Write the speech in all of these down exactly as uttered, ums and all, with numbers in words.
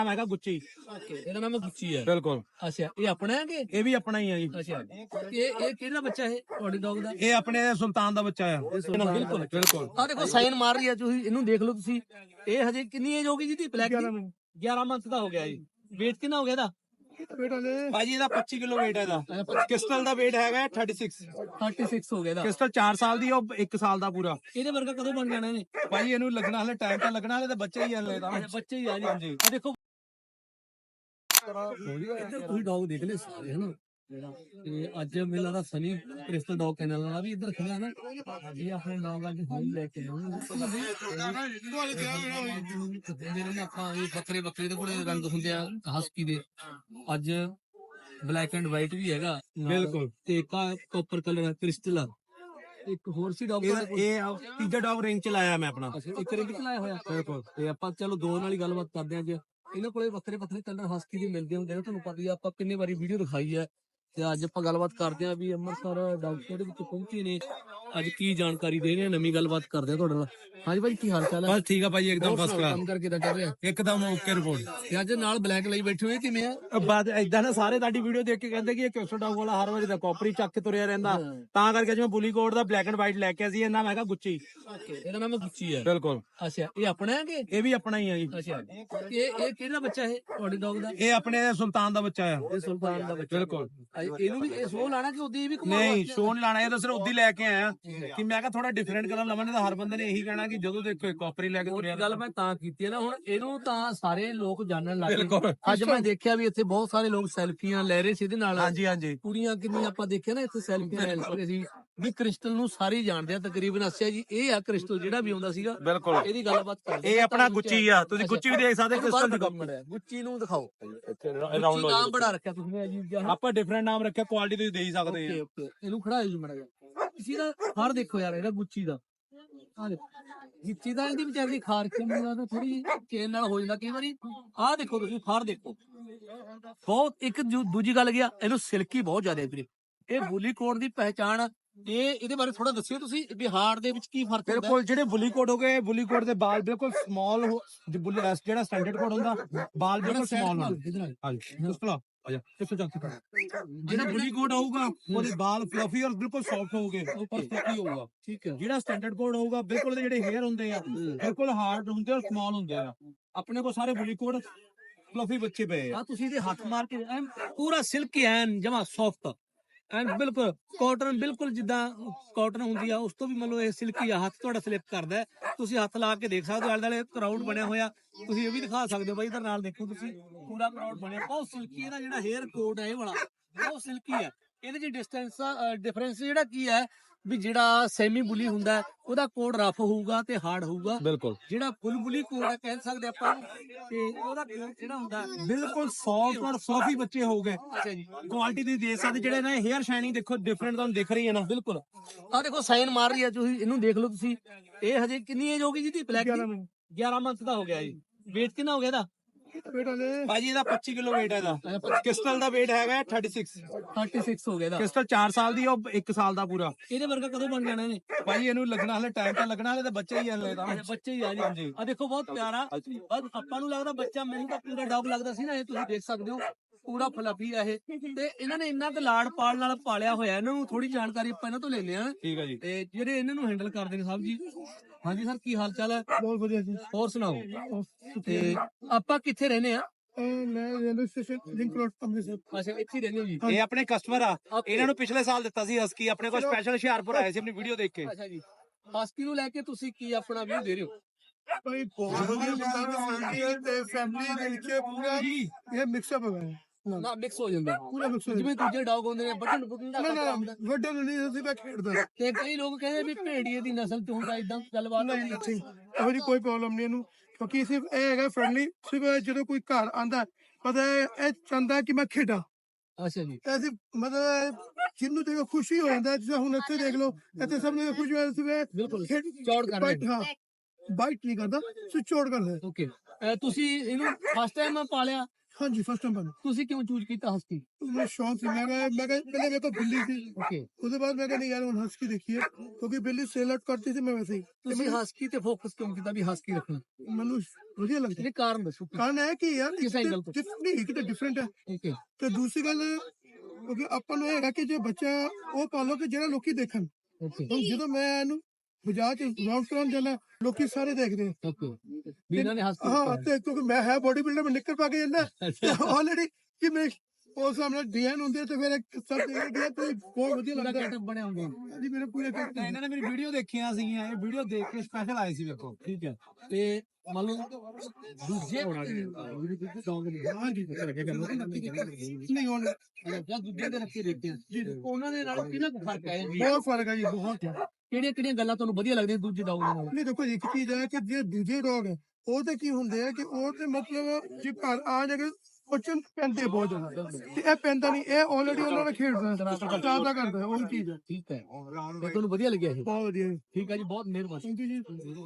ਨਾਮ ਹੈਗਾ ਗੁੱਚੀ। ਓਕੇ, ਇਹਦਾ ਨਾਮ ਗੁੱਚੀ ਹੈ। ਬਿਲਕੁਲ। ਅੱਛਾ, ਇਹ ਆਪਣਾ ਹੈ ਕਿ ਇਹ ਵੀ ਆਪਣਾ ਹੀ ਆ ਜੀ। ਅੱਛਾ, ਇਹ ਇਹ ਕਿਹੜਾ ਬੱਚਾ ਹੈ ਤੁਹਾਡੇ ਡੌਗ ਦਾ? ਇਹ ਆਪਣੇ ਸੁਲਤਾਨ ਦਾ ਬੱਚਾ ਆ। ਬਿਲਕੁਲ ਬਿਲਕੁਲ। ਆ ਦੇਖੋ ਸਾਈਨ ਮਾਰ ਰਹੀ ਹੈ, ਤੁਸੀਂ ਇਹਨੂੰ ਦੇਖ ਲਓ। ਤੁਸੀਂ ਇਹ ਹਜੇ ਕਿੰਨੀ ਏਜ ਹੋ ਗਈ ਜੀ ਦੀ? ਬਲੈਕ ਗਿਆਰਾਂ ਮੰਥ ਦਾ ਹੋ ਗਿਆ ਜੀ। weight ਕਿੰਨਾ ਹੋ ਗਿਆ ਇਹਦਾ? ਭਾਜੀ ਇਹਦਾ ਪੱਚੀ ਕਿਲੋ weight ਹੈ ਇਹਦਾ। ਕ੍ਰਿਸਟਲ ਦਾ weight ਹੈਗਾ ਛੱਤੀ ਛੇ। ਛੱਤੀ ਛੇ ਹੋ ਗਿਆ ਇਹਦਾ। ਕ੍ਰਿਸਟਲ ਚਾਰ ਸਾਲ ਦੀ, ਉਹ ਇੱਕ ਸਾਲ ਦਾ ਪੂਰਾ। ਇਹਦੇ ਵਰਗਾ ਕਦੋਂ ਬਣ ਜਾਣਾ ਇਹਨੇ? ਭਾਜੀ ਇਹਨੂੰ ਲੱਗਣਾ ਹਲੇ ਟਾਈਮ ਤਾਂ ਲੱਗਣਾ, ਹਲੇ ਤਾਂ ਬੱਚਾ ਹੀ ਹਲੇ ਤਾਂ। ਬੱਚੇ ਹੀ ਆ ਜੀ। ਹਾਂਜੀ, ਆ ਦੇਖੋ ਤੁਸੀਂ ਡੌਗ ਦੇਖ ਲਏ ਸਾਰੇ ਹਨਾ। ਤੇ ਅੱਜ ਮੈਨੂੰ ਲੱਗਦਾ ਸਨੀ ਕ੍ਰਿਸਟਲ ਡੌਗ ਕੈਨਲ ਵਾਲਾ ਵੀ ਇੱਧਰ ਖੜਾ ਨਾ। ਇਹ ਆਪਣੇ ਡੌਗ ਅੱਜ ਹੁਣ ਲੈ ਕੇ ਆਏ ਆਪਾਂ। ਇਹ ਬੱਕਰੇ ਬੱਕਰੇ ਦੇ ਕੋਲੇ ਰੰਗ ਹੁੰਦੇ ਆ ਹਸਕੀ ਦੇ। ਅੱਜ ਬਲੈਕ ਐਂਡ ਵਾਈਟ ਵੀ ਹੈਗਾ ਬਿਲਕੁਲ। ਤੇ ਇੱਕ ਕਾਪਰ ਕਲਰ ਕ੍ਰਿਸਟਲ ਆ। ਇੱਕ ਹੋਰ ਸੀ ਡੌਗ। ਇਹ ਤੀਜਾ ਡੌਗ ਰਿੰਗ ਚ ਲਾਇਆ ਮੈਂ ਆਪਣਾ। ਇੱਕ ਰਿੰਗ ਚ ਲਾਇਆ ਹੋਇਆ। ਬਿਲਕੁਲ। ਤੇ ਆਪਾਂ ਚਲੋ ਦੋ ਨਾਲ ਹੀ ਗੱਲਬਾਤ ਕਰਦੇ ਆਂ। ਅੱਜ ਇਹਨਾਂ ਕੋਲੇ ਵੱਖਰੇ ਵੱਖਰੇ ਕਲਰ ਹਸਕੀ ਦੇ ਮਿਲਦੇ ਹੁੰਦੇ ਨੇ, ਤੁਹਾਨੂੰ ਪਤਾ ਹੀ ਆ। ਆਪਾਂ ਕਿੰਨੇ ਵਾਰੀ ਵੀਡੀਓ ਦਿਖਾਈ ਹੈ। ਤੇ ਅੱਜ ਆਪਾਂ ਗੱਲਬਾਤ ਕਰਦੇ ਆਂ ਵੀ ਅੰਮ੍ਰਿਤਸਰ ਡਾਕਟਰ ਦੇ ਵਿੱਚ ਪਹੁੰਚੇ ਨੇ। ਅੱਜ ਕੀ ਜਾਣਕਾਰੀ ਦੇ ਰਹੇ ਆ, ਨਵੀਂ ਗੱਲਬਾਤ ਕਰਦੇ ਆ ਤੁਹਾਡੇ ਨਾਲ। ਹਾਂਜੀ ਭਾਈ, ਕੀ ਹਾਲ ਚਾਲ ਹੈ? ਬਸ ਠੀਕ ਆ ਭਾਈ, ਇੱਕਦਮ ਫਸਟ ਕਲਾਸ। ਕੰਮ ਕਰਕੇ ਤਾਂ ਚੱਲ ਰਿਹਾ ਇੱਕਦਮ ਓਕੇ ਰਿਪੋਰਟ। ਤੇ ਅੱਜ ਨਾਲ ਬਲੈਕ ਲਈ ਬੈਠੇ ਹੋਏ ਕਿਵੇਂ ਆ? ਬਾਅਦ ਏਦਾਂ ਨਾ ਸਾਰੇ ਤੁਹਾਡੀ ਵੀਡੀਓ ਦੇਖ ਕੇ ਕਹਿੰਦੇ ਕਿ ਇਹ ਕ੍ਰਿਸਟਲ ਡੌਗ ਵਾਲਾ ਹਰ ਵਾਰੀ ਦਾ ਕਾਪਰੀ ਚੱਕ ਕੇ ਤੁਰਿਆ ਰਹਿੰਦਾ, ਤਾਂ ਕਰਕੇ ਜਿਵੇਂ ਬੁਲੀ ਕੋਟ ਦਾ ਬਲੈਕ ਐਂਡ ਵਾਈਟ ਲੈ ਕੇ ਅਸੀਂ। ਇਹ ਨਾਮ ਹੈਗਾ ਗੁੱਚੀ। ਓਕੇ, ਇਹਦਾ ਨਾਮ ਗੁੱਚੀ ਹੈ। ਬਿਲਕੁਲ। ਅੱਛਾ, ਇਹ ਆਪਣਾ ਹੈ ਕਿ? ਇਹ ਵੀ ਆਪਣਾ ਹੀ ਆ ਜੀ। ਅੱਛਾ, ਇਹ ਇਹ ਕਿਹੜਾ ਬੱਚਾ ਹੈ ਤੁਹਾਡੇ ਡੌਗ ਦਾ? ਇਹ ਆਪਣੇ ਸੁਲਤਾਨ ਦਾ ਬੱਚਾ ਆ। ਇਹ ਸੁਲਤਾਨ ਦਾ ਬੱਚਾ। ਬਿਲਕੁਲ। ਇਹਨੂੰ ਵੀ ਇਹ ਸ਼ੋਅ ਲਾਣਾ ਕਿ ਉਹਦੀ ਵੀ? ਨਹੀਂ, ਸ਼ੋਅ ਨੀ ਲਾਣਾ। ਇਹ ਤਾਂ ਸਿਰ ਉਦੀ ਲੈ ਕੇ ਆਇਆ ਕਿ ਮੈਂ ਕਿਹਾ ਥੋੜਾ ਡਿਫਰੈਂਟ ਕਲਰ ਲਵਾਂਗੇ ਤਾਂ ਹਰ ਬੰਦੇ ਨੇ ਇਹੀ ਕਹਿਣਾ ਕਿ ਜਦੋਂ ਦੇਖੋ ਕਾਪਰੀ ਲੈ ਕੇ ਤੁਰਿਆ। ਗੱਲ ਮੈਂ ਤਾਂ ਕੀਤੀ ਹੈ ਨਾ, ਹੁਣ ਇਹਨੂੰ ਤਾਂ ਸਾਰੇ ਲੋਕ ਜਾਣਨ ਲੱਗ ਗਏ। ਬਿਲਕੁਲ। ਅੱਜ ਮੈਂ ਦੇਖਿਆ ਵੀ ਇੱਥੇ ਬਹੁਤ ਸਾਰੇ ਲੋਕ ਸੈਲਫੀਆਂ ਲੈ ਰਹੇ ਸੀ ਇਹਦੇ ਨਾਲ। ਹਾਂਜੀ ਹਾਂਜੀ। ਕੁੜੀਆਂ ਕਿੰਨੀਆਂ ਆਪਾਂ ਦੇਖਿਆ ਨਾ ਇੱਥੇ ਸੈਲਫੀਆਂ ਲੈ ਰਹੇ ਸੀ। ਵੀ ਕ੍ਰਿਸਟਲ ਨੂੰ ਸਾਰੇ ਹੀ ਜਾਣਦੇ ਆ ਤਕਰੀਬਨ। ਅੱਛਾ ਜੀ, ਇਹ ਆ ਕ੍ਰਿਸਟਲ ਜਿਹੜਾ ਵੀ ਆਉਂਦਾ ਸੀਗਾ। ਬਿਲਕੁਲ। ਇਹਦੀ ਗੱਲਬਾਤ ਕਰਦੇ। ਇਹ ਆਪਣਾ ਗੁੱਚੀ ਆ। ਤੁਸੀਂ ਗੁੱਚੀ ਵੀ ਦੇਖ ਸਕਦੇ। ਕ੍ਰਿਸਟਲ ਦੀ ਗੁੱਚੀ ਨੂੰ ਦਿਖਾਓ। ਰਾਉਂਡ ਨਾਮ ਬੜਾ ਰੱਖਿਆ ਤੁਸੀਂ ਅਜੀਬ ਜਿਹਾ। ਆਪਾਂ ਡਿਫਰੈਂਟ ਨਾਮ ਰੱਖਿਆ, ਕੁਆਲਿਟੀ ਤੁਸੀਂ ਦੇ ਹੀ ਸਕਦੇ ਆ। ਓਕੇ ਓਕੇ, ਇਹਨੂੰ ਖੜਾਇਓ ਜੀ ਮਾੜਾ ਜਿਹਾ। ਕਿਸੇ ਦਾ ਹਾਰ ਦੇਖੋ ਯਾਰ, ਇਹਦਾ ਗੁੱਚੀ ਦਾ ਆ ਦੇਖੋ। ਗਿੱਚੀ ਦਾ ਇਹਦੀ ਵਿਚਾਰੀ ਖਾਰ ਕੇ ਮੈਨੂੰ ਥੋੜੀ ਚੇਨ ਨਾਲ ਹੋ ਜਾਂਦਾ ਕਈ ਵਾਰੀ। ਆਹ ਦੇਖੋ ਤੁਸੀਂ ਖਾਰ ਦੇਖੋ ਬਹੁਤ। ਇੱਕ ਦੂਜੀ ਗੱਲ ਗਿਆ, ਇਹਨੂੰ ਸਿਲਕੀ ਬਹੁਤ ਜ਼ਿਆਦਾ ਵੀਰੇ। ਇਹ ਬੁਲੀ ਕੋਟ ਦੀ ਪਹਿਚਾਣ। ਇਹ ਇਹਦੇ ਬਾਰੇ ਥੋੜਾ ਦੱਸਿਓ ਤੁਸੀਂ, ਬਿਹਾਰ ਦੇ ਵਿੱਚ ਕੀ ਫਰਕ ਹੁੰਦਾ? ਬਿਲਕੁਲ। ਜਿਹੜੇ ਬੁਲੀ ਕੋਟ ਹੋ ਗਏ, ਬੁਲੀ ਕੋਟ ਦੇ ਬਾਲ ਬਿਲਕੁਲ ਸਮਾਲ। ਜਿਹੜਾ ਸਟੈਂਡਰਡ ਕੋਟ ਹੁੰਦਾ, ਬਾਲ ਬਿਲਕੁਲ ਸਮਾਲ ਹੁੰਦੇ। ਹਾਂਜੀ, ਮੁਸਕਲਾ ਜਿਹੜਾ ਬੁਲੀ ਕੋਟ ਹੋਊਗਾ ਉਹਦੇ ਬਾਲ ਫਲਫੀ ਔਰ ਬਿਲਕੁਲ ਸੌਫਟ ਹੋਊਗੇ, ਉੱਪਰ ਫਲਫੀ ਹੋਊਗਾ। ਠੀਕ ਹੈ। ਜਿਹੜਾ ਸਟੈਂਡਰਡ ਕੋਟ ਹੋਊਗਾ ਬਿਲਕੁਲ ਜਿਹੜੇ ਹੇਅਰ ਹੁੰਦੇ ਆ ਬਿਲਕੁਲ ਹਾਰਡ ਹੁੰਦੇ ਔਰ ਸਮਾਲ ਹੁੰਦੇ ਆ। ਆਪਣੇ ਕੋਲ ਸਾਰੇ ਬੁਲੀ ਕੋਟ ਫਲਫੀ ਬੱਚੇ ਪਏ ਆ। ਤੁਸੀਂ ਇਹਦੇ ਹੱਥ ਮਾਰ ਕੇ ਐਨ ਪੂਰਾ ਸਿਲਕੀ ਐਨ ਜਮਾ ਸੌਫਟ ਐਨ ਬਿਲਕੁਲ ਕਾਟਨ, ਬਿਲਕੁਲ ਜਿੱਦਾਂ ਕਾਟਨ ਹੁੰਦੀ ਆ ਉਸ ਤੋਂ ਵੀ ਮਤਲਬ ਇਹ ਸਿਲਕੀ ਆ। ਹੱਥ ਤੁਹਾਡਾ ਸਲਿਪ ਕਰਦਾ, ਤੁਸੀਂ ਹੱਥ ਲਾ ਕੇ ਦੇਖ ਸਕਦੇ ਹੋ। ਆਲੇ ਦੁਆਲੇ ਕਰਾਊਡ ਬਣਿਆ ਹੋਇਆ, ਤੁਸੀਂ ਇਹ ਵੀ ਦਿਖਾ ਸਕਦੇ ਹੋ ਬਾਈ। ਇਧਰ ਨਾਲ ਦੇਖੋ ਤੁਸੀਂ, ਪੂਰਾ ਕਰਾਊਡ ਬਣਿਆ ਬਹੁਤ ਸਿਲਕੀ। ਇਹਦਾ ਜਿਹੜਾ ਹੇਅਰ ਕੋਟ ਹੈ ਇਹ ਵਾਲਾ ਬਹੁਤ ਸਿਲਕੀ ਹੈ। ਇਹਦੇ ਚ ਡਿਸਟੈਂਸ ਡਿਫਰੈਂਸ ਜਿਹੜਾ ਕੀ ਹੈ ਵੀ ਜਿਹੜਾ ਸੈਮੀ ਬੁਲੀ ਹੁੰਦਾ ਉਹਦਾ ਕੋਡ ਰਫ ਹੋਊਗਾ ਤੇ ਹਾਰਡ ਹੋਊਗਾ। ਬਿਲਕੁਲ। ਜਿਹੜਾ ਫੁੱਲ ਬੁਲੀ ਕੋਡ ਹੈ ਕਹਿ ਸਕਦੇ ਆਪਾਂ, ਤੇ ਉਹਦਾ ਕੋਡ ਜਿਹੜਾ ਹੁੰਦਾ ਬਿਲਕੁਲ ਸੌਫਟ ਔਰ ਫਲਫੀ ਬੱਚੇ ਹੋਊਗੇ। ਅੱਛਾ ਜੀ, ਕੁਆਲਿਟੀ ਤੁਸੀਂ ਦੇਖ ਸਕਦੇ। ਜਿਹੜੇ ਨੇ ਹੇਅਰ ਸ਼ਾਈਨਿੰਗ ਦੇਖੋ ਡਿਫਰੈਂਟ ਤੁਹਾਨੂੰ ਦਿਖ ਰਹੀ ਹੈ ਨਾ। ਬਿਲਕੁਲ। ਆ ਦੇਖੋ ਸਾਈਨ ਮਾਰ ਰਹੀ ਹੈ, ਤੁਸੀਂ ਇਹਨੂੰ ਦੇਖ ਲਓ। ਤੁਸੀਂ ਇਹ ਹਜੇ ਕਿੰਨੀ ਏਜ ਹੋ ਗਈ ਜੀ ਦੀ? ਬਲੈਕ ਗਿਆਰਾਂ ਮੰਥ ਦਾ ਹੋ ਗਿਆ ਜੀ। weight ਕਿੰਨਾ ਹੋ ਗਿਆ ਇਹਦਾ? ਭਾਜੀ ਇਹਦਾ ਪੱਚੀ ਕਿਲੋ weight ਹੈ ਇਹਦਾ। ਕ੍ਰਿਸਟਲ ਦਾ weight ਹੈਗਾ ਛੱਤੀ ਛੇ। ਛੱਤੀ ਛੇ ਹੋ ਗਿਆ ਇਹਦਾ। ਕ੍ਰਿਸਟਲ ਚਾਰ ਸਾਲ ਦੀ, ਉਹ ਇੱਕ ਸਾਲ ਦਾ ਪੂਰਾ। ਇਹਦੇ ਵਰਗਾ ਕਦੋਂ ਬਣ ਜਾਣਾ ਇਹਨੇ? ਭਾਜੀ ਇਹਨੂੰ ਲੱਗਣਾ ਹਲੇ ਟਾਈਮ ਤਾਂ ਲੱਗਣਾ, ਹਲੇ ਤਾਂ ਬੱਚਾ ਹੀ ਹਲੇ ਤਾਂ। ਬੱਚੇ ਹੀ ਆ ਜੀ। ਆ ਦੇਖੋ ਬਹੁਤ ਪਿਆਰਾ। ਬਸ ਆਪਾਂ ਨੂੰ ਲੱਗਦਾ ਬੱਚਾ, ਮੈਨੂੰ ਤਾਂ ਪੂਰਾ ਡੌਗ ਲੱਗਦਾ ਸੀ ਨਾ। ਇਹ ਤੁਸੀਂ ਦੇਖ ਸਕਦੇ ਹੋ ਪੂਰਾ ਫਲਫੀ ਆ ਇਹ। ਤੇ ਇਹਨਾਂ ਨੇ ਇੰਨਾ ਕੁ ਲਾੜ ਪਾਲ ਨਾਲ ਪਾਲਿਆ ਹੋਇਆ। ਇਹਨਾਂ ਨੂੰ ਥੋੜੀ ਜਾਣਕਾਰੀ ਆਪਾਂ ਇਹਨਾਂ ਤੋਂ ਲੈਂਦੇ ਆ। ਠੀਕ ਹੈ ਜੀ। ਤੇ ਜਿਹੜੇ ਇਹਨਾਂ ਨੂੰ ਹੈਂਡਲ ਕਰਦੇ ਨੇ ਸਾਹਿਬ ਜੀ। ਹਾਂਜੀ ਸਰ, ਕੀ ਹਾਲ ਚਾਲ ਹੈ? ਬਹੁਤ ਵਧੀਆ ਜੀ। ਹੋਰ ਸੁਣਾਓ। ਤੇ ਆਪਾਂ ਕਿੱਥੇ ਰਹਿੰਦੇ ਆ? ਮੈਂ railway station link road Amritsar. ਅੱਛਾ, ਇੱਥੇ ਹੀ ਰਹਿੰਦੇ ਹੋ ਜੀ। ਇਹ ਆਪਣੇ ਕਸਟਮਰ ਆ। ਇਹਨਾਂ ਨੂੰ ਪਿਛਲੇ ਸਾਲ ਦਿੱਤਾ ਸੀ ਹਸਕੀ। ਆਪਣੇ ਕੋਲ ਸਪੈਸ਼ਲ ਹੁਸ਼ਿਆਰਪੁਰ ਆਏ ਸੀ ਆਪਣੀ ਵੀਡੀਓ ਦੇਖ ਕੇ। ਅੱਛਾ ਜੀ, ਹਸਕੀ ਨੂੰ ਲੈ ਕੇ ਤੁਸੀਂ ਕੀ ਆਪਣਾ ਵਿਊ ਦੇ ਰਹੇ ਹੋ? ਭਾਈ ਬਹੁਤ ਵਧੀਆ ਬੰਦਾ ਤੇ ਫੈਮਿਲੀ ਦੇ ਵਿੱਚ ਪੂਰਾ ਇਹ ਮਿਕਸ ਅਪ ਹੈ ਨਾ ਮਿਕਸ ਹੋ ਜਾਂਦਾ ਪੂਰਾ ਮਿਕਸ ਹੋ ਜਿਵੇਂ ਦੂਜੇ ਡੌਗ ਹੁੰਦੇ ਨੇ ਬਟਨ ਬੁਕਿੰਗ ਦਾ ਨਾ ਨਾ ਵੱਡੇ ਨੂੰ ਨਹੀਂ ਅਸੀਂ ਮੈਂ ਖੇਡਦਾ। ਤੇ ਕਈ ਲੋਕ ਕਹਿੰਦੇ ਵੀ ਭੇੜੀਏ ਦੀ ਨਸਲ ਤੋਂ ਹੁੰਦਾ ਇਦਾਂ ਗੱਲਬਾਤ ਨਹੀਂ ਨਹੀਂ ਇਹੋ ਜਿਹੀ ਕੋਈ ਪ੍ਰੋਬਲਮ ਨਹੀਂ ਇਹਨੂੰ, ਕਿਉਂਕਿ ਸਿਰਫ ਇਹ ਹੈਗਾ ਫਰੈਂਡਲੀ। ਸਿਰਫ ਜਦੋਂ ਕੋਈ ਘਰ ਆਂਦਾ ਪਤਾ ਇਹ ਚਾਹੁੰਦਾ ਕਿ ਮੈਂ ਖੇਡਾਂ। ਅੱਛਾ ਜੀ, ਐਸੀ ਮਤਲਬ ਜਿਹਨੂੰ ਦੇਖ ਖੁਸ਼ੀ ਹੋ ਜਾਂਦਾ। ਜਿਵੇਂ ਹੁਣ ਇੱਥੇ ਦੇਖ ਲਓ, ਇੱਥੇ ਸਭ ਨੂੰ ਖੁਸ਼ੀ ਹੋ ਜਾਂਦੀ ਬਿਲਕੁਲ ਹੈ। ਚੌੜ ਕਰ ਰਹੇ ਹਾਂ, ਬਾਈਟ ਨਹੀਂ ਕਰਦਾ, ਸੋ ਚੌੜ ਕਰਦਾ। ਓਕੇ, ਤੁਸੀਂ ਇਹਨੂੰ ਫਸਟ ਟਾਈਮ ਪਾਲਿਆ? ਹਾਂਜੀ ਫਸਟ ਟਾਈਮ ਪਾਲਿਆ। ਤੁਸੀਂ ਕਿਉਂ ਚੂਜ਼ ਕੀਤਾ ਹਸਕੀ? ਮੈਨੂੰ ਸ਼ੌਂਕ ਸੀ, ਮੈਂ ਕਿਹਾ ਮੈਂ ਕਿਹਾ ਪਹਿਲੇ ਮੇਰੇ ਕੋਲ ਬਿੱਲੀ ਸੀ, ਓਕੇ, ਉਹਦੇ ਬਾਅਦ ਮੈਂ ਕਿਹਾ ਨਹੀਂ ਯਾਰ ਹੁਣ ਹਸਕੀ ਦੇਖੀਏ, ਕਿਉਂਕਿ ਬਿੱਲੀ ਸੇਲ ਆਊਟ ਕਰਤੀ ਸੀ ਮੈਂ ਵੈਸੇ ਹੀ, ਤੇ ਤੁਸੀਂ ਹਸਕੀ ਤੇ ਫੋਕਸ ਕਿਉਂ ਕੀਤਾ ਵੀ ਹਸਕੀ ਰੱਖਣਾ? ਮੈਨੂੰ ਵਧੀਆ ਲੱਗਦਾ। ਇਹ ਕਾਰਨ ਦੱਸੋ। ਕਾਰਨ ਹੈ ਕਿ ਯਾਰ ਕਿਸ angle ਤੋਂ? ਨਹੀਂ ਇੱਕ ਤਾਂ ਡਿਫਰੈਂਟ ਹੈ, ਓਕੇ, ਤੇ ਦੂਸਰੀ ਗੱਲ ਕਿਉਂਕਿ ਆਪਾਂ ਨੂੰ ਇਹ ਹੈਗਾ ਕਿ ਜੇ ਬੱਚਾ ਉਹ ਪਾਲੋ ਕਿ ਜਿਹੜਾ ਲੋਕੀ ਦੇਖਣ। ਓਕੇ, ਹੁਣ ਜਦੋਂ ਮੈਂ ਇਹਨੂੰ ਬਾਜ਼ਾਰ ਚ ਰਾਉਂਡ ਕਰਾਉਣ ਜਾਣਾ, ਲੋਕੀ ਸਾਰੇ ਦੇਖਦੇ ਆ। ਓਕੇ, ਵੀ ਇਹਨਾਂ ਨੇ ਹਸਕੀ ਹਾਂ, ਤੇ ਕਿਉਂਕਿ ਮੈਂ ਹੈ ਬੋਡੀ ਬਿਲਡਰ, ਮੈਂ ਨਿੱਕਰ ਪਾ ਕੇ ਜਾਂਦਾ ਆਲਰੇਡੀ ਕਿ ਮੈਂ ਉਸ ਸਾਹਮਣੇ ਡੀਐਨ ਹੁੰਦੇ, ਤੇ ਫਿਰ ਸਭ ਦੇਖਦੇ ਤੇ ਬਹੁਤ ਵਧੀਆ ਪੂਰਾ ਲੱਗਦਾ। ਗੈਟਅਪ ਬਣਿਆ ਹੁੰਦਾ। ਜੀ ਮੇਰੇ ਪੂਰੇ ਕੱਟ ਤਾਂ ਇਹਨਾਂ ਨੇ ਮੇਰੀ ਵੀਡੀਓ ਦੇਖੀਆਂ ਸੀਗੀਆਂ, ਇਹ ਵੀਡੀਓ ਦੇਖ ਕੇ ਸਪੈਸ਼ਲ ਆਏ ਸੀ ਵੇਖੋ। ਠੀਕ ਹੈ, ਤੇ ਮੰਨ ਲਓ ਦੂਜੇ ਡੌਗ ਨੇ ਹਾਂਜੀ ਨਹੀਂ ਹੁਣ ਜਾਂ ਦੂਜੇ ਦੇ ਰੱਖੇ ਦੇਖਦੇ ਆ ਜੀ, ਉਹਨਾਂ ਦੇ ਨਾਲ ਕਿੰਨਾ ਕੁ ਫਰਕ ਹੈ ਜੀ? ਬਹੁਤ ਫਰਕ ਹੈ ਜੀ, ਬਹੁਤ। ਕਿਹੜੀਆਂ ਕਿਹੜੀਆਂ ਗੱਲਾਂ ਤੁਹਾਨੂੰ ਵਧੀਆ ਲੱਗਦੀਆਂ ਦੂਜੇ ਡੌਗ ਦੇ ਨਾਲ? ਨਹੀਂ ਦੇਖੋ ਜੀ, ਇੱਕ ਚੀਜ਼ ਹੈ ਕਿ ਜੇ ਦੂਜੇ ਡੌਗ ਹੈ ਉਹ ਤੇ ਕੀ ਹੁੰਦੇ ਆ ਕਿ ਉਹ ਤੇ ਮਤਲਬ ਜੇ ਘਰ ਆ ਜਾ ਕੇ ਬੱਚੇ ਨੂੰ ਪੈਂਦੇ ਬਹੁਤ ਜ਼ਿਆਦਾ, ਤੇ ਇਹ ਪੈਂਦਾ ਨਹੀਂ, ਇਹ ਆਲਰੇਡੀ ਉਹਨਾਂ ਨਾਲ ਖੇਡਦਾ ਜ਼ਿਆਦਾ ਕਰਦਾ, ਉਹ ਚੀਜ਼ ਹੈ। ਠੀਕ ਹੈ, ਤੇ ਤੁਹਾਨੂੰ ਵਧੀਆ ਲੱਗਿਆ ਇਹ? ਬਹੁਤ ਵਧੀਆ। ਠੀਕ ਹੈ ਜੀ, ਬਹੁਤ ਮਿਹਰਬਾਨੀ। ਥੈਂਕ ਯੂ ਜੀ।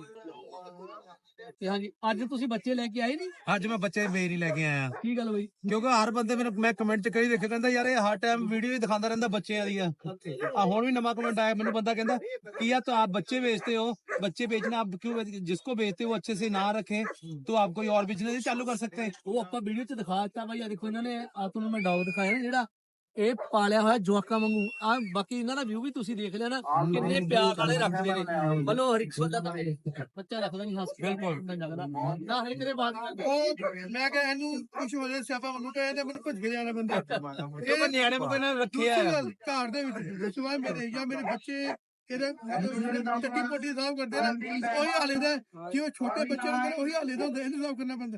ਤੇ ਹਾਂਜੀ, ਅੱਜ ਤੁਸੀਂ ਬੱਚੇ ਲੈ ਕੇ ਆਏ ਨਹੀਂ? ਅੱਜ ਮੈਂ ਬੱਚੇ ਵੇਰ ਹੀ ਲੈ ਕੇ ਆਇਆ, ਕੀ ਗੱਲ ਹੋਈ? ਕਿਉਂਕਿ ਹਰ ਬੰਦੇ ਮੈਨੂੰ ਮੈਂ ਕਮੈਂਟ ਚ ਕਈ ਦੇਖੇ, ਕਹਿੰਦਾ ਯਾਰ ਇਹ ਹਰ ਟਾਈਮ ਵੀਡੀਓ ਹੀ ਦਿਖਾਉਂਦਾ ਰਹਿੰਦਾ ਬੱਚਿਆਂ ਦੀਆਂ। ਆ ਹੁਣ ਵੀ ਨਵਾਂ ਕਮੈਂਟ ਆਇਆ, ਮੈਨੂੰ ਬੰਦਾ ਕਹਿੰਦਾ कि यार तो आप बच्चे बेचते हो, बच्चे बेचना आप क्यों, जिसको बेचते हो वो अच्छे से ना रखे तो आप कोई और बिजनेस चालू कर सकते हैं। ਉਹ ਆਪਾਂ ਵੀਡੀਓ 'ਚ ਦਿਖਾ ਦਿੱਤਾ ਬਾਈ, ਆ ਦੇਖੋ ਇਹਨਾਂ ਨੇ ਆ ਤੁਹਾਨੂੰ ਮੈਂ ਡੌਗ ਦਿਖਾਇਆ ਨਾ ਜਿਹੜਾ ਇਹ ਪਾਲਿਆ ਹੋਇਆ ਜਵਾਕਾਂ ਵਾਂਗੂ ਆ, ਬਾਕੀ ਇਹਨਾਂ ਦਾ ਵਿਊ ਵੀ ਤੁਸੀਂ ਦੇਖ ਲਿਆ ਨਾ, ਕਿੰਨੇ ਪਿਆਰ ਨਾਲੇ ਰੱਖਦੇ ਨੇ। ਮਨੋ ਹਰ ਇੱਕ ਬੰਦਾ ਤਾਂ ਬੱਚਾ ਰੱਖਦਾ ਨਹੀਂ, ਹੱਸ ਬਿਲਕੁਲ ਨਾ ਹੈ ਤੇਰੇ ਬਾਤ। ਉਹ ਮੈਂ ਕਿਹਾ ਇਹਨੂੰ ਕੁਝ ਹੋ ਜਾਏ ਸਿਆਪਾ ਮੈਨੂੰ ਕਹੇ ਤੇ ਮੈਨੂੰ ਭੱਜ ਕੇ ਜਾਣਾ ਬੰਦਾ। ਇਹ ਤਾਂ ਨਿਆਣੇ ਨੂੰ ਇਹਨਾਂ ਨੇ ਰੱਖਿਆ ਦੂਸਰੀ ਹੈ। ਗੱਲ, ਘਰ ਦੇ ਵਿੱਚ ਸਿਵਾਏ ਮੇਰੇ ਜਾਂ ਮੇਰੇ ਬੱਚੇ ਇਹਦੇ ਚੱਟੀ ਪੋਟੀ ਸਾਫ ਕਰਦੇ ਨਾ, ਉਹੀ ਹਾਲੇ ਦਾ ਕਿ ਉਹ ਛੋਟੇ ਬੱਚੇ ਨੂੰ ਕਹਿੰਦੇ ਉਹੀ ਹਾਲੇ ਦਾ ਹੁੰਦਾ, ਇਹਨੂੰ ਸਾਫ ਕਰਨਾ ਪੈਂਦਾ।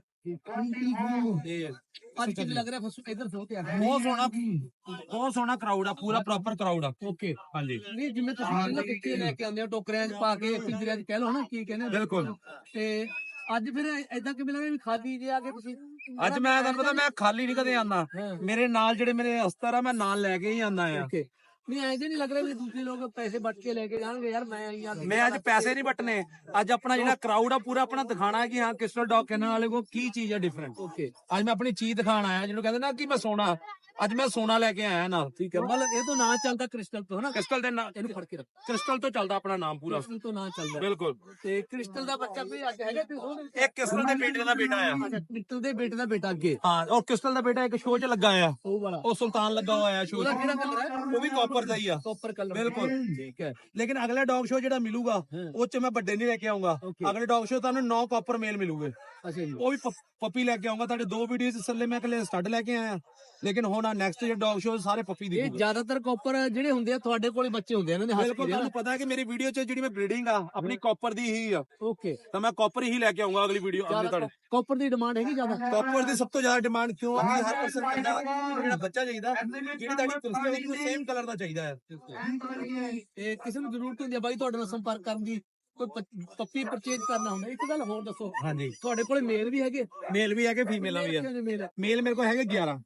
ਅੱਜ ਕਿੰਨੇ ਲੱਗ ਰਿਹਾ ਫਸ ਇਧਰ ਸੋ ਤੇ ਆ ਬਹੁਤ ਸੋਹਣਾ, ਬਹੁਤ ਸੋਹਣਾ ਕਰਾਊਡ ਆ, ਪੂਰਾ ਪ੍ਰੋਪਰ ਕਰਾਊਡ ਆ। ਓਕੇ, ਹਾਂਜੀ ਨਹੀਂ ਜਿਵੇਂ ਤੁਸੀਂ ਪਹਿਲਾਂ ਬੱਚੇ ਲੈ ਕੇ ਆਉਂਦੇ ਹੋ ਟੋਕਰਿਆਂ 'ਚ ਪਾ ਕੇ, ਪਿੰਜਰਿਆਂ 'ਚ ਕਹਿ ਲਓ ਨਾ, ਕੀ ਕਹਿੰਦੇ ਆ? ਬਿਲਕੁਲ। ਤੇ ਅੱਜ ਫਿਰ ਏਦਾਂ ਕਿਵੇਂ ਲੱਗਿਆ ਵੀ ਖਾਦੀ ਜੇ ਆ ਕੇ ਤੁਸੀਂ? ਅੱਜ ਮੈਂ ਤੁਹਾਨੂੰ ਪਤਾ ਮੈਂ ਖਾਲੀ ਨਹੀਂ ਕਦੇ ਆਉਂਦਾ, ਮੇਰੇ ਨਾਲ ਜਿਹੜੇ ਮੇਰੇ ਅਸਤਰ ਆ ਮੈਂ ਨਾਲ ਲੈ ਕੇ ਹੀ ਆਉਂਦਾ ਆ। ਓਕੇ, ਨਹੀਂ ਐਂ ਜੇ ਨਹੀਂ ਲੱਗ ਰਿਹਾ ਵੀ ਦੂਸਰੇ ਲੋਕ ਪੈਸੇ ਵੱਟ ਕੇ ਲੈ ਕੇ ਜਾਣਗੇ, ਯਾਰ ਮੈਂ ਆਈ ਆ। ਮੈਂ ਅੱਜ ਪੈਸੇ ਨਹੀਂ ਵੱਟਨੇ, ਅੱਜ ਆਪਣਾ ਜਿਹੜਾ ਕਰਾਊਡ ਆ ਪੂਰਾ ਆਪਣਾ ਦਿਖਾਣਾ ਹੈ ਕਿ ਹਾਂ ਕਿਸਟਲ ਡੌਗ ਕਹਿਣ ਵਾਲੇ ਕੋ ਕੀ ਚੀਜ਼ ਹੈ ਡਿਫਰੈਂਟ। ਓਕੇ, ਅੱਜ ਮੈਂ ਆਪਣੀ ਚੀਜ਼ ਦਿਖਾਣ ਆਇਆ, ਜਿਹਨੂੰ ਕਹਿੰਦੇ ਨਾ ਕਿ ਮੈਂ ਸੋਨਾ, ਅੱਜ ਮੈਂ ਸੋਨਾ ਲੈ ਕੇ ਆਇਆ ਨਾਲ। ਠੀਕ ਹੈ, ਮਤਲਬ ਇਹ ਤੋਂ ਨਾਂ ਚੱਲਦਾ ਕ੍ਰਿਸਟਲ ਤੋਂ, ਹਨਾ? ਕ੍ਰਿਸਟਲ ਦੇ ਨਾਲ, ਇਹਨੂੰ ਫੜ ਕੇ ਰੱਖ, ਕ੍ਰਿਸਟਲ ਤੋਂ ਚੱਲਦਾ ਆਪਣਾ ਨਾਮ ਪੂਰਾ। ਕ੍ਰਿਸਟਲ ਤੋਂ ਨਾਂ ਚੱਲਦਾ ਬਿਲਕੁਲ। ਤੇ ਕ੍ਰਿਸਟਲ ਦਾ ਬੱਚਾ ਵੀ ਅੱਜ ਹੈਗਾ ਤੇ ਉਹ ਇੱਕ ਕ੍ਰਿਸਟਲ ਦੇ ਬੇਟੇ ਦਾ ਬੇਟਾ ਆ। ਕ੍ਰਿਸਟਲ ਦੇ ਬੇਟੇ ਦਾ ਬੇਟਾ ਅੱਗੇ, ਹਾਂ, ਉਹ ਕ੍ਰਿਸਟਲ ਦਾ ਬੇਟਾ ਇੱਕ ਸ਼ੋਅ 'ਚ ਲੱਗਾ ਆ, ਉਹ ਵਾਲਾ ਉਹ ਸੁਲਤਾਨ ਲੱਗਾ ਹੋਇਆ ਸ਼ੋਅ ਉਹਦਾ 'ਚ, ਕਿਹੜਾ ਕਲਰ ਹੈ? ਉਹ ਵੀ ਕਾਪਰ ਦਾ ਹੀ ਆ। ਕਾਪਰ ਕਲਰ, ਬਿਲਕੁਲ। ਠੀਕ ਹੈ। ਲੇਕਿਨ ਅਗਲਾ ਡੌਗ ਸ਼ੋਅ ਜਿਹੜਾ ਮਿਲੂਗਾ ਉਹ 'ਚ ਮੈਂ ਵੱਡੇ ਨਹੀਂ ਲੈ ਕੇ ਆਉਂਗਾ, Okay. ਅਗਲੇ ਡੌਗ ਸ਼ੋਅ ਤੁਹਾਨੂੰ ਨੌ ਕਾਪਰ ਮੇਲ ਮਿਲੂਗੇ, ਅੱਛਾ ਜੀ, ਉਹ ਵੀ ਪੱਪੀ ਲੈ ਕੇ ਆਉਂਗਾ। ਤੁਹਾਡੇ ਦੋ ਵੀਡੀਓਜ਼ ਥੱਲੇ ਮੈਂ ਕੱਲੇ ਸਟੱਡ ਲੈ ਕੇ ਆਇਆ, ਲੇਕਿਨ ਹੁਣ ਆ ਨੈਕਸਟ ਜਿਹੜਾ ਡੌਗ ਸ਼ੋਅ ਸਾਰੇ ਪੱਪੀ ਇਹ ਦੀ। ਜ਼ਿਆਦਾਤਰ ਕਾਪਰ ਜਿਹੜੇ ਹੁੰਦੇ ਆ ਤੁਹਾਡੇ ਕੋਲੇ ਬੱਚੇ ਹੁੰਦੇ ਆ ਇਹਨਾਂ ਦੇ ਹੱਥ ਬਿਲਕੁਲ, ਤੁਹਾਨੂੰ ਪਤਾ ਹੈ ਕਿ ਮੇਰੀ ਵੀਡੀਓ 'ਚ ਜਿਹੜੀ ਮੈਂ ਬਰੀਡਿੰਗ ਆ ਆਪਣੀ ਕਾਪਰ ਦੀ ਹੀ ਆ, ਓਕੇ, ਤਾਂ ਮੈਂ ਕਾਪਰ ਹੀ ਲੈ ਕੇ ਆਉਂਗਾ ਅਗਲੀ ਵੀਡੀਓ ਅਗਲੇ ਤੁਹਾਡੇ। ਕਾਪਰ ਦੀ ਡਿਮਾਂਡ ਹੈਗੀ ਜ਼ਿਆਦਾ? ਕਾਪਰ ਦੀ ਸਭ ਤੋਂ ਜ਼ਿਆਦਾ ਡਿਮਾਂਡ ਕਿਉਂ ਆ ਕਿ ਹਰ ਪਰਸਨ ਕਹਿੰਦਾ ਜਿਹੜਾ ਬੱਚਾ ਚਾਹੀਦਾ ਜਿਹੜੀ ਤੁਹਾਡੀ ਕ੍ਰਿਸਟਲ ਦੀ ਸੇਮ ਕਲਰ ਦਾ ਚਾਹੀਦਾ ਹੈ। ਤੇ ਕਿਸੇ ਨੂੰ ਜ਼ਰੂਰਤ ਹੁੰਦੀ ਹੈ ਬਾਈ ਤੁਹਾਡੇ ਨਾਲ ਸੰਪਰਕ ਕਰਨ ਦੀ, ਕੋਈ ਪ- ਪੱਪੀ ਪਰਚੇਜ ਕਰਨਾ ਹੁੰਦਾ? ਇੱਕ ਗੱਲ ਹੋਰ ਦੱਸੋ, ਹਾਂਜੀ, ਤੁਹਾਡੇ ਕੋਲੇ ਮੇਲ ਵੀ ਹੈਗੇ? ਮੇਲ ਵੀ ਹੈਗੇ, ਫੀਮੇਲਾਂ ਵੀ ਆ। ਮੇਲ ਮੇਲ ਮੇਰੇ ਕੋਲ ਹੈਗੇ ਗਿਆਰਾਂ,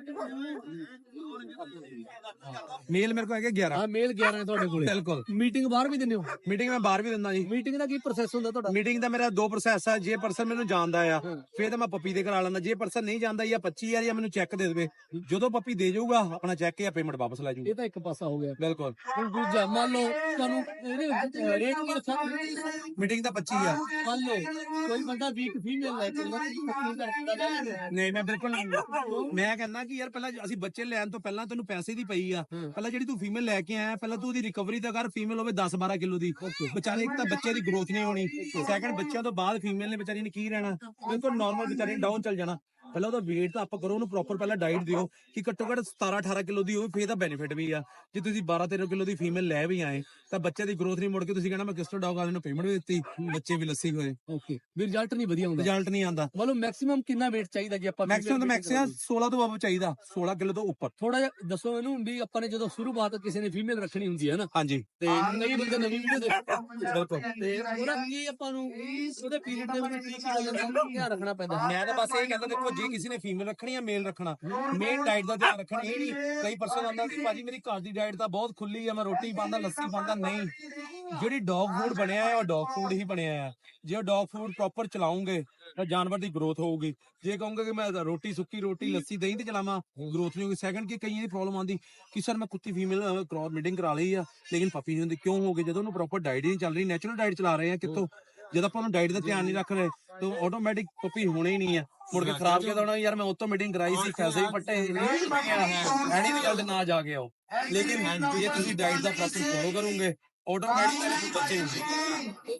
ਮੇਲ ਮੇਰੇ ਕੋਲ ਹੈਗੇ ਗਿਆਰਾਂ। ਹਾਂ, ਮੇਲ ਗਿਆਰਾਂ ਹੈ ਤੁਹਾਡੇ ਕੋਲੇ। ਬਿਲਕੁਲ। ਮੀਟਿੰਗ ਬਾਹਰ ਵੀ ਦਿੰਦੇ ਹੋ? ਮੀਟਿੰਗ ਮੈਂ ਬਾਹਰ ਵੀ ਦਿੰਦਾ ਜੀ। ਮੀਟਿੰਗ ਦਾ ਕੀ ਪ੍ਰੋਸੈਸ ਹੁੰਦਾ ਤੁਹਾਡਾ? ਮੀਟਿੰਗ ਦਾ ਮੇਰਾ ਦੋ ਪ੍ਰੋਸੈਸ ਆ, ਜੇ ਪਰਸਨ ਮੈਨੂੰ ਜਾਣਦਾ ਆ ਫਿਰ ਤਾਂ ਮੈਂ ਪੱਪੀ ਦੇ ਕਰਾ ਲੈਂਦਾ, ਜੇ ਪਰਸਨ ਨਹੀਂ ਜਾਣਦਾ ਜਾਂ ਪੱਚੀ ਹਜ਼ਾਰ ਜਾਂ ਮੈਨੂੰ ਚੈੱਕ ਦੇ ਦੇਵੇ, ਜਦੋਂ ਪੱਪੀ ਦੇ ਜਾਊਗਾ ਆਪਣਾ ਚੈੱਕ ਜਾਂ ਪੇਮੈਂਟ ਵਾਪਸ ਲੈ ਜਾਊਗਾ। ਇਹ ਤਾਂ ਇੱਕ ਪਾਸਾ ਹੋ ਗਿਆ। ਬਿਲਕੁਲ। ਹੁਣ ਦੂਜਾ ਮੰਨ ਲਓ ਤੁਹਾਨੂੰ ਇਹਦੇ ਰੇਟ ਕੀ ਰੱਖਿਆ? ਮੀਟਿੰਗ ਦਾ ਪੱਚੀ ਹਜ਼ਾਰ। ਮੰਨ ਲਓ ਕੋਈ ਬੰਦਾ ਵੀਕ ਫੀਮੇਲ ਲੈ ਕੇ ਨਹੀਂ, ਮੈਂ ਬਿਲਕੁਲ ਨਹੀਂ। ਮੈਂ ਕਹਿੰਦਾ ਕਿ ਯਾਰ ਪਹਿਲਾਂ ਅਸੀਂ ਬੱਚੇ ਲੈਣ ਤੋਂ ਪਹਿਲਾਂ ਤੈਨੂੰ ਪੈਸੇ ਦੀ ਪਈ ਆ, ਪਹਿਲਾਂ ਜਿਹੜੀ ਤੂੰ ਫੀਮੇਲ ਲੈ ਕੇ ਆਇਆ ਪਹਿਲਾਂ ਤੂੰ ਉਹਦੀ ਰਿਕਵਰੀ ਤਾਂ ਕਰ, ਫੀਮੇਲ ਹੋਵੇ ਦਸ ਬਾਰਾਂ ਕਿਲੋ ਦੀ, ਵਿਚਾਰੇ ਇੱਕ ਤਾਂ ਬੱਚੇ ਦੀ ਗਰੋਥ ਨਹੀਂ ਹੋਣੀ, ਸੈਕੰਡ ਬੱਚਿਆਂ ਤੋਂ ਬਾਅਦ ਫੀਮੇਲ ਨੇ ਵਿਚਾਰੀ ਨੇ ਕੀ ਰਹਿਣਾ, ਬਿਲਕੁਲ ਨਾਰਮਲ ਵਿਚਾਰੀ ਨੇ ਡਾਊਨ ਚੱਲ ਜਾਣਾ। ਪਹਿਲਾਂ ਉਹਦਾ weight ਤਾਂ ਆਪਾਂ ਕਰੋ, ਉਹਨੂੰ ਪ੍ਰੋਪਰ ਪਹਿਲਾਂ ਡਾਈਟ ਦਿਓ ਕਿ ਘੱਟੋ ਘੱਟ ਸਤਾਰਾਂ ਅਠਾਰਾਂ ਕਿਲੋ ਦੀ ਹੋਵੇ, ਫੇਰ ਤਾਂ ਬੈਨੀਫਿਟ ਵੀ ਆ। ਜੇ ਤੁਸੀਂ ਬਾਰਾਂ ਤੇਰਾਂ ਕਿਲੋ ਦੀ ਫੀਮੇਲ ਲੈ ਵੀ ਆਏ ਤਾਂ ਬੱਚੇ ਦੀ ਗਰੋਥ ਨਹੀਂ ਮੁੜ ਕੇ ਤੁਸੀਂ ਕਹਿਣਾ ਮੈਂ ਕ੍ਰਿਸਟਲ ਡੌਗ ਵਾਲੇ ਨੂੰ ਪੇਮੈਂਟ ਵੀ ਦਿੱਤੀ, ਬੱਚੇ ਵੀ ਲੱਸੀ ਹੋਏ, ਓਕੇ, ਵੀ ਰਿਜ਼ਲਟ ਨਹੀਂ ਵਧੀਆ ਹੁੰਦਾ, ਰਿਜ਼ਲਟ ਨਹੀਂ ਆਉਂਦਾ। ਮਤਲਬ ਮੈਕਸਿਮਮ ਕਿੰਨਾ weight ਚਾਹੀਦਾ ਜੇ ਆਪਾਂ? ਮੈਕਸਿਮਮ ਤਾਂ ਮੈਕਸਿਮਮ ਸੋਲਾਂ ਤੋਂ ਉੱਪਰ ਚਾਹੀਦਾ, ਸੋਲਾਂ ਕਿਲੋ ਤੋਂ ਉੱਪਰ। ਥੋੜਾ ਜਿਹਾ ਦੱਸੋ ਇਹਨੂੰ ਵੀ ਆਪਾਂ ਨੇ ਜਦੋਂ ਸ਼ੁਰੂਆਤ ਕਿਸੇ ਨੇ ਫੀਮੇਲ ਰੱਖਣੀ ਹੁੰਦੀ ਹੈ ਨਾ, ਹਾਂਜੀ, ਤੇ ਕਈ ਬੰਦੇ ਨਵੀਂ ਵੀਡੀਓ ਦੇਖਦੇ, ਬਿਲਕੁਲ। ਤੇ ਉਹਦਾ ਕੀ ਆਪਾਂ ਨੂੰ ਉਹਦੇ ਪੀਰੀਅਡ ਦੇ ਵਿੱਚ ਕੀ ਕੀ ਧਿਆਨ ਰੱਖਣਾ ਪੈਂਦਾ? ਮੈਂ ਤਾਂ ਬਸ ਇਹ ਕਹਿੰਦਾ, ਦੇਖੋ ਜੇ ਕਿਸੇ ਨੇ ਫੀਮੇਲ ਰੱਖਣੀ ਆ ਮੇਲ ਰੱਖਣਾ, ਮੇਨ ਡਾਈਟ ਦਾ ਧਿਆਨ ਰੱਖਣਾ। ਇਹ ਨਹੀਂ ਕਈ ਪਰਸਨ ਆਉਂਦਾ ਕਿ ਭਾਜੀ ਮੇਰੀ ਘਰ ਦੀ ਡਾਈਟ ਤਾਂ ਬਹੁਤ ਖੁੱਲੀ ਆ, ਮੈਂ ਰੋਟੀ ਪਾਉਂਦਾ ਲੱਸੀ ਪਾਉਂਦਾ, ਨਹੀਂ, ਜਿਹੜੀ ਡੌਗ ਫੂਡ ਬਣਿਆ ਹੈ ਉਹ ਡੌਗ ਫੂਡ ਹੀ ਬਣਿਆ ਹੈ। ਜੇ ਉਹ ਡੌਗ ਫੂਡ ਪ੍ਰੋਪਰ ਚਲਾਉਂਗੇ ਤਾਂ ਜਾਨਵਰ ਦੀ ਗਰੋਥ ਹੋਊਗੀ। ਜੇ ਕਹੋਗੇ ਕਿ ਮੈਂ ਰੋਟੀ ਸੁੱਕੀ ਰੋਟੀ ਲੱਸੀ ਦਹੀਂ ਤੇ ਚਲਾਵਾਂ, ਗਰੋਥ ਨਹੀਂ ਹੋਊਗੀ। ਸੈਕੰਡ ਕਿ ਕਈਆਂ ਦੀ ਪ੍ਰੋਬਲਮ ਆਉਂਦੀ ਕਿ ਸਰ ਮੈਂ ਕੁੱਤੀ ਫੀਮੇਲ ਕ੍ਰੋਸ ਮੀਟਿੰਗ ਕਰਾ ਲਈ ਆ ਲੇਕਿਨ ਪੱਪੀ ਨਹੀਂ ਹੁੰਦੀ, ਕਿਉਂ ਹੋ ਗਈ? ਜਦੋਂ ਉਹਨੂੰ ਪ੍ਰੋਪਰ ਡਾਈਟ ਹੀ ਨਹੀਂ ਚੱਲ ਰਹੀ, ਨੈਚੁਰਲ ਡਾਈਟ ਚਲਾ ਰਹੇ ਆ ਕਿੱਥੋਂ? ਜਦ ਆਪਾਂ ਉਹਨੂੰ ਡਾਈਟ ਦਾ ਧਿਆਨ ਨਹੀਂ ਰੱਖ ਰਹੇ ਤਾਂ ਆਟੋਮੈਟਿਕ ਪੱਪੀ ਹੋਣੀ ਹੀ ਨਹੀਂ ਆ। ਮੁੜ ਕੇ ਖਰਾਬ ਕਿਦਾਂ ਹੋਣਾ? ਯਾਰ ਮੈਂ ਉਹ ਤੋਂ ਮੀਟਿੰਗ ਕਰਾਈ ਸੀ, ਪੈਸੇ ਵੀ ਪੱਟੇ, ਐਨੀ ਰਿਜ਼ਲਟ ਨਾ ਜਾ ਕੇ ਆਓ। ਲੇਕਿਨ ਜੇ ਤੁਸੀਂ ਡਾਈਟ ਦਾ ਪ੍ਰੋਪਰ ਫੋਲੋ ਕਰੋਗੇ ਆਟੋਮੈਟਿਕ ਬੱਚੇ ਹੁੰਦੇ।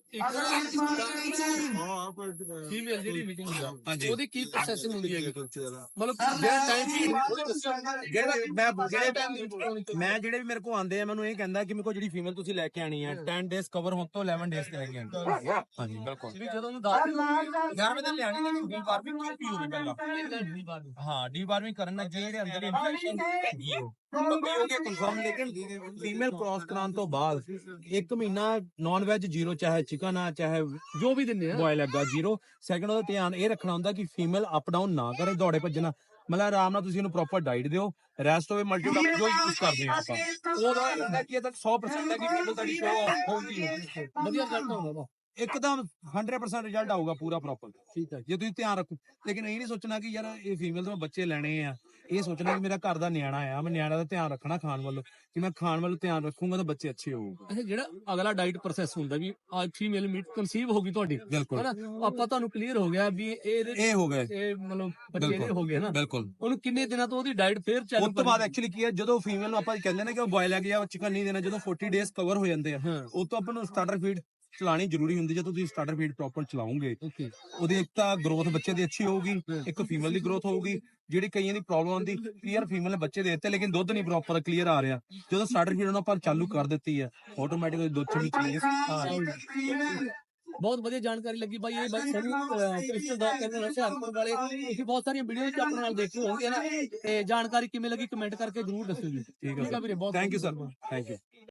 ਫੀਮੇਲ ਜਿਹੜੀ ਮੀਟਿੰਗ ਹੁੰਦਾ ਹਾਂਜੀ। ਉਹਦੀ ਕੀ ਪ੍ਰੋਸੈਸਿੰਗ ਹੁੰਦੀ ਹੈਗੀ? ਮਤਲਬ ਜਿਹੜਾ ਟਾਈਮ ਜਿਹੜਾ ਮੈਂ ਜਿਹੜੇ time- ਮੈਂ ਜਿਹੜੇ ਵੀ ਮੇਰੇ ਕੋਲ ਆਉਂਦੇ ਆ ਮੈਨੂੰ ਇਹ ਕਹਿੰਦਾ ਕਿ ਮੇਰੇ ਕੋਲ ਜਿਹੜੀ ਫੀਮੇਲ ਤੁਸੀਂ ਲੈ ਕੇ ਆਣੀ ਹੈ ਦਸ ਡੇਜ਼ ਕਵਰ ਹੋਣ ਤੋਂ ਇਲੈਵਨ ਡੇਜ਼ ਤੇ ਲੈ ਕੇ ਆਣੀ। ਹਾਂਜੀ ਬਿਲਕੁਲ। ਵੀ ਜਦੋਂ ਉਹਨੂੰ ਦੱਸ ਯਾਰ ਮੈਂ ਤਾਂ ਲਿਆਣੀ ਨਹੀਂ ਡੀ ਵਾਰਮਿੰਗ ਕਿਉਂ ਪੀ ਹੋਵੇ ਪਹਿਲਾਂ? ਹਾਂ ਡੀ ਵਾਰਮਿੰਗ ਕਰਨ ਨਾਲ ਜਿਹੜੇ ਅੰਦਰ ਇਨਫੈਕਸ਼ਨ ਹੈਗੀ ਉਹ ਕਨਫਰਮ। ਲੇਕਿਨ ਫੀਮੇਲ ਕ੍ਰਾਸ ਕਰਾਉਣ ਤੋਂ ਬਾਅਦ ਇੱਕ ਮਹੀਨਾ ਨਾਨ ਵੈਜ ਜ਼ੀਰੋ, ਚਾਹੇ ਚਿਕਨ ਆ ਚਾਹੇ ਜੋ ਵੀ ਦਿੰਦੇ ਆ ਬੋਇਲ ਐਗ ਆ ਜ਼ੀਰੋ। ਸੈਕੰਡ ਉਹਦਾ ਧਿਆਨ ਇਹ ਰੱਖਣਾ ਹੁੰਦਾ ਕਿ ਫੀਮੇਲ ਅਪ ਡਾਊਨ ਨਾ ਕਰੇ, ਦੌੜੇ ਭੱਜਣਾ। ਮਤਲਬ ਆਰਾਮ ਨਾਲ ਤੁਸੀਂ ਇਹਨੂੰ ਪ੍ਰੋਪਰ ਡਾਈਟ ਦਿਓ। ਰੈਸਟ ਹੋਵੇ ਮਲਟੀਟਾਸਕ ਜੋ ਯੂਜ਼ ਕਰਦੇ ਆ ਆਪਾਂ ਉਹਦਾ ਇਹਦਾ ਕੀ ਹੈ ਤਾਂ ਸੌ ਪਰਸੈਂਟ ਹੈ ਕਿ ਫੀਮੇਲ ਤੁਹਾਡੀ ਸ਼ੋ ਹੋਊਗੀ ਵਧੀਆ ਰਿਜ਼ਲਟ ਆਉਂਦਾ ਵਾ। ਇੱਕਦਮ ਹੰਡਰਡ ਪਰਸੈਂਟ ਰਿਜ਼ਲਟ ਆਊਗਾ ਪੂਰਾ ਪ੍ਰੋਪਰ। ਠੀਕ ਹੈ। ਜੇ ਤੁਸੀਂ ਧਿਆਨ ਰੱਖੋ। ਲੇਕਿਨ ਇਹ ਨਹੀਂ ਸੋਚਣਾ ਕਿ ਯਾਰ ਇਹ ਫੀਮੇਲ ਤੋਂ ਮੈਂ ਬੱਚੇ ਲੈਣੇ ਆ, ਇਹ ਸੋਚਣਾ ਕਿ ਮੇਰਾ ਘਰ ਦਾ ਨਿਆਣਾ ਆ, ਮੈਂ ਨਿਆਣਾ ਦਾ ਧਿਆਨ ਰੱਖਣਾ ਖਾਣ ਵੱਲੋਂ, ਕਿ ਮੈਂ ਖਾਣ ਵੱਲੋਂ ਧਿਆਨ ਰੱਖੂੰਗਾ ਤਾਂ ਬੱਚੇ ਅੱਛੇ ਹੋਊਗੇ। ਅੱਛਾ, ਜਿਹੜਾ ਅਗਲਾ ਡਾਈਟ ਪ੍ਰੋਸੈਸ ਹੁੰਦਾ ਵੀ ਅੱਜ ਫੀਮੇਲ ਮੀਟ ਕਨਸੀਵ ਹੋ ਗਈ ਤੁਹਾਡੀ, ਬਿਲਕੁਲ ਹੈਨਾ? ਆਪਾਂ ਤੁਹਾਨੂੰ ਕਲੀਅਰ ਹੋ ਗਿਆ ਵੀ ਇਹ ਇਹ ਹੋ ਗਏ ਇਹ ਮਤਲਬ ਬੱਚੇ ਜਿਹੜੇ ਹੋ ਗਏ ਨਾ, ਬਿਲਕੁਲ। ਉਹਨੂੰ ਕਿੰਨੇ ਦਿਨਾਂ ਤੋਂ ਉਹਦੀ ਡਾਈਟ ਫੇਰ ਚਾਲੂ ਉਸ ਤੋਂ ਬਾਅਦ ਐਕਚੁਅਲੀ ਕੀ ਹੈ, ਜਦੋਂ ਫੀਮੇਲ ਨੂੰ ਆਪਾਂ ਕਹਿੰਦੇ ਨੇ ਕਿ ਉਹ ਬੋਇਲ ਐਗ ਜਾਂ ਚਿਕਨ ਨਹੀਂ ਦੇਣਾ, ਜਦੋਂ ਚਾਲੀ ਡੇਜ਼ ਕਵਰ ਹੋ ਜਾਂਦੇ ਆ ਹਾਂ ਉਸ ਤੋਂ ਆਪਾਂ ਨੂੰ ਸਟਾਰਟਰ ਫੀਡ ਚਲਾਣੀ ਜ਼ਰੂਰੀ ਹੁੰਦੀ। ਜਦੋਂ ਤੁਸੀਂ ਸਟਾਰਟਰ ਫੀਡ ਪ੍ਰੋਪਰ ਚਲਾਓਗੇ ਓਕੇ ਉਹਦੀ ਇੱਕ ਤਾਂ ਗਰੋਥ ਬੱਚੇ ਦੀ ਅੱਛੀ ਹੋਊਗੀ, ਇੱਕ ਫੀਮੇਲ ਦੀ ਗਰੋਥ ਹੋਊਗੀ। ਜਿਹੜੀ ਕਈਆਂ ਦੀ ਪ੍ਰੋਬਲਮ ਆਉਂਦੀ ਕਿ ਯਾਰ ਫੀਮੇਲ ਨੇ ਬੱਚੇ ਦੇ ਦਿੱਤੇ ਲੇਕਿਨ ਦੁੱਧ ਨਹੀਂ ਪ੍ਰੋਪਰ ਕਲੀਅਰ ਆ ਰਿਹਾ, ਜਦੋਂ ਸਟਾਰਟਰ ਫੀਡ ਨੂੰ ਆਪਾਂ ਚਾਲੂ ਕਰ ਦਿੱਤੀ ਹੈ ਆਟੋਮੈਟਿਕਲੀ ਦੁੱਧ ਚ ਵੀ ਚੇਂਜ ਆ ਰਿਹਾ। ਬਹੁਤ ਵਧੀਆ ਜਾਣਕਾਰੀ ਲੱਗੀ ਬਾਈ। ਇਹ ਬਾਈ ਸਨੀ ਕ੍ਰਿਸਟਲ ਦਾ ਕਹਿੰਦੇ ਨੇ ਹੁਸ਼ਿਆਰਪੁਰ ਵਾਲੇ, ਤੁਸੀਂ ਬਹੁਤ ਸਾਰੀਆਂ ਵੀਡੀਓ ਚ ਆਪਣੇ ਨਾਲ ਦੇਖੇ ਹੋਣਗੇ ਨਾ, ਤੇ ਜਾਣਕਾਰੀ ਕਿਵੇਂ ਲੱਗੀ ਕਮੈਂਟ ਕਰਕੇ ਜਰੂਰ ਦੱਸਿਓ ਜੀ। ਠੀਕ ਹੈ ਵੀਰੇ, ਬਹੁਤ thank you sir, thank you.